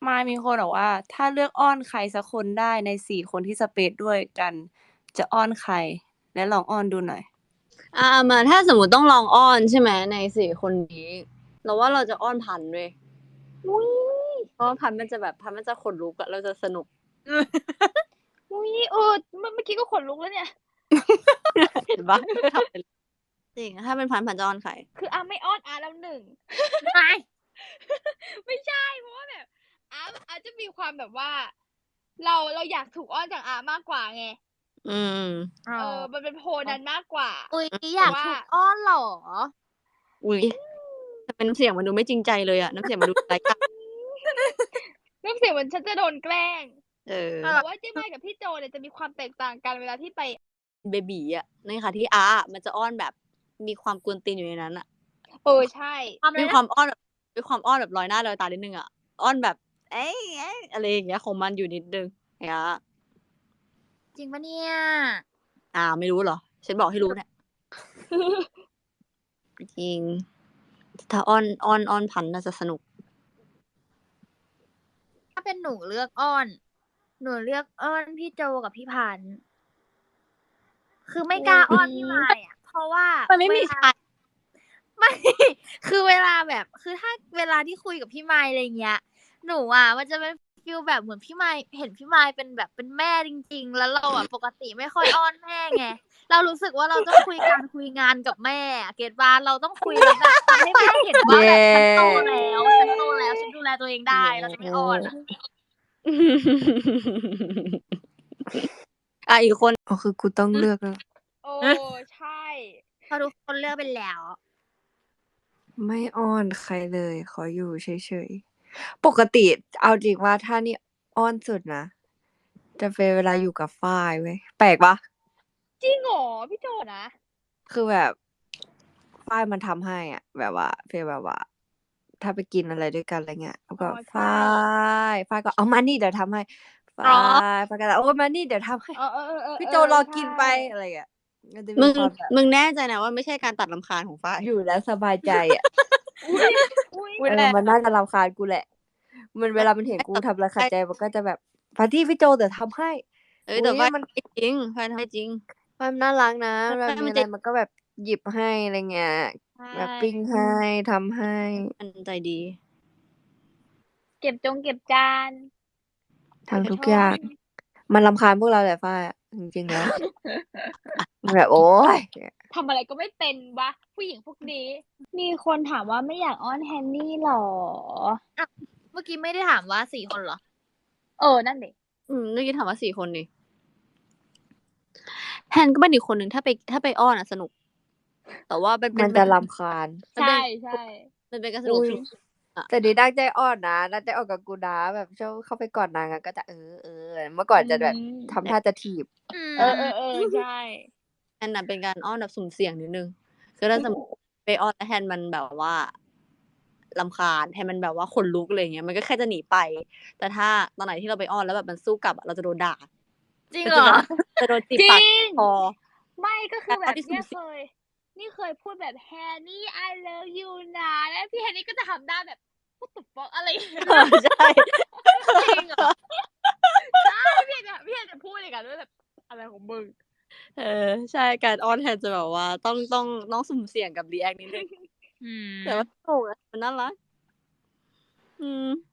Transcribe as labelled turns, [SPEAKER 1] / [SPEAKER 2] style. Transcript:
[SPEAKER 1] มายมีคนบอกว่า ถ้าเลือกอ้อนใครสักคนได้ใน4 คนที่สเปซด้วยกัน จะอ้อนใคร และลองอ้อนดูหน่อย
[SPEAKER 2] มาถ้าสมมติต้องลองอ้อนใช่ไหมใน4 คนนี้เราว่าเราจะอ้อนพันธุ์ด้วยเพราะพันธุ์มันจะขนลุกอะเราจะสนุก
[SPEAKER 3] เมื่อกี้ก็ขนลุกแล้วเนี่ย
[SPEAKER 2] เห็นปะทำเป็นจริงถ้าเป็นพันธุ์จะอ้อนใคร
[SPEAKER 3] คือไม่อ้อนแล้วหนึ่ง ไม่ใช่เพราะว่าแบบอาจะมีความแบบว่า เราอยากถูกอ้อนจากมากกว่าไงมันเป็นโพลนั้นมากกว่า
[SPEAKER 4] อยากถูกอ้อนหรอ
[SPEAKER 2] แต่เป็นน้ำเสียงมันดูไม่จริงใจเลยอะน้ำเสียงมันดูไร้ค่า
[SPEAKER 3] น้ำเสียงมันฉันจะโดนแกล้ง
[SPEAKER 2] แต่
[SPEAKER 3] ว่าเจ๊ไมกับพี่โจเนี่ยจะมีความแตกต่างกันเวลาที่ไป
[SPEAKER 2] เบบีอะในค่ะที่มันจะอ้อนแบบมีความกวนตีนอยู่ในนั้นอะ
[SPEAKER 3] ใช่
[SPEAKER 2] มีความอ้อนแบบลอยหน้าลอยตานิดนึงอะอ้อนแบบเอ๊ะอะไรอย่างเงี้ยของมันอยู่นิดนึง
[SPEAKER 4] จริงปะเนี่ย
[SPEAKER 2] ไม่รู้เหรอฉันบอกให้รู้เนี่ย จริงถ้าอ้อนพันธุ์น่าจะสนุก
[SPEAKER 4] ถ้าเป็นหนูเลือกอ้อน หนูเลือกอ้อนพี่โจกับพี่พันธุ์คือไม่กล้าอ้อนพี่มายอ่ะเพราะว่า
[SPEAKER 2] มันไม่มีใคร
[SPEAKER 4] ไม่ คือเวลาแบบคือถ้าเวลาที่คุยกับพี่มายอะไรเงี้ย หนูอ่ะมันจะเป็นฟีลแบบเหมือนพี่มายเห็นพี่มายเป็นแบบเป็นแม่จริงๆแล้วเราอ่ะปกติไม่ค่อยอ้อนแม่ไงเรารู้สึกว่าเราต้องคุยงานกับแม่เก็ตป่ะเราต้องคุยแล้วแบบทำให้แม่เห็นว่าแบบฉันโตแล้วฉันดูแลตัวเองได้เราจะไม่อ้อน
[SPEAKER 2] อีกคน
[SPEAKER 1] คือกูต้องเลือกแล้ว
[SPEAKER 3] ใช่
[SPEAKER 4] พอทุกคนเลือกไปแล้ว
[SPEAKER 1] ไม่อ้อนใครเลย ขออยู่เฉยๆปกติเอาจริงว่าถ้านี่อ้อนสุดนะจะเป็นเวลาอยู่กับฝ้ายเว้ยแปลกปะ
[SPEAKER 3] จริงเหรอพี่โจนะ
[SPEAKER 1] คือแบบฝ้ายมันทำให้อ่ะแบบว่าฟีลแบบว่า ถ้าไปกินอะไรด้วยกันอะไรเงี้ยแล้วก็ฝ้ายก็เอามานี่เดี๋ยวทำให้ฝ้ายก็โอ้มานี่เดี๋ยวทำให้พี่โจรอกินไปอะไรเงี้ย
[SPEAKER 2] มึงแน่ใจนะว่าไม่ใช่การตัดรำคาญของฝ้าย
[SPEAKER 1] อยู่แล้วสบายใจอ่ะมันน่าจะรำคาญกูแหละมันเวลามันเห็นกูทำอะไรขัดใจมันก็จะแบบพาร์ตี้พี่โจเดี๋ยวทำให้
[SPEAKER 2] แต่ฝ้ายมันจริงฝ้ายทำให้จริง
[SPEAKER 1] ฝ้ายมันน่ารักนะแบบมีอะไรมันก็แบบหยิบให้อะไรเงี้ยแบบปิ้งให้ทำให้
[SPEAKER 2] มันใจดี
[SPEAKER 3] เก็บจาน
[SPEAKER 1] ทำทุกอย่างมันรำคาญพวกเราแหละฝ้ายจริงๆแล้วแบบโอ๊ย
[SPEAKER 3] ทำอะไรก็ไม่เป็นวะผู้หญิงพวกนี้มีคนถามว่าไม่อยากอ้อนแฮนนี่หรอ
[SPEAKER 4] เมื่อกี้ไม่ได้ถามว่า4 คนเหรอ
[SPEAKER 3] นั่นดิ
[SPEAKER 2] เมื่อกี้ถามว่า4 คนนี่แฮนก็เป็นอีกคนหนึ่งถ้าไปอ้อนสนุกแต่ว่า
[SPEAKER 1] มันจะรำคาญ
[SPEAKER 3] ใช่
[SPEAKER 2] มันเป็นการสนุก
[SPEAKER 1] แต่ดีดักใจอ่อนนะดักใจอ่อนกับกูนะแบบชอบเข้าไปก่อนนางก็จะเมื่อก่อนจะแบบทำท่าจะถีบ
[SPEAKER 3] ใช่
[SPEAKER 2] แฮนน่ะเป็นการอ้อนแบบสุ่มเสี่ยงนิดนึงคือถ้าสมมติไปอ้อนแล้วแฮนมันแบบว่ารำคาญแฮนมันแบบว่าขนลุกอะไรเงี้ยมันก็แค่จะหนีไปแต่ถ้าตอนไหนที่เราไปอ้อนแล้วแบบมันสู้กลับเราจะโดนด่า
[SPEAKER 4] จริงเหรอ
[SPEAKER 2] จะโดนจีบปากคอ
[SPEAKER 3] ไม่ก็คือแบบนี่เคยพูดแบบแฮนนี่ I love you นะแล้วพี่แฮนนี่ก็จะทำได้แบบพูดตุบปอกอะไร
[SPEAKER 2] ใช่
[SPEAKER 3] จริงเหรอใช่พี่แฮนจะพูดเลยกันว่าแบบอะไรของมึง
[SPEAKER 2] ใช่การอ้อนแฮนจะแบบว่าต้องสุ่มเสี่ยงกับรีแอคนิดนึงแต่ว่าโอ้มันน่ารัก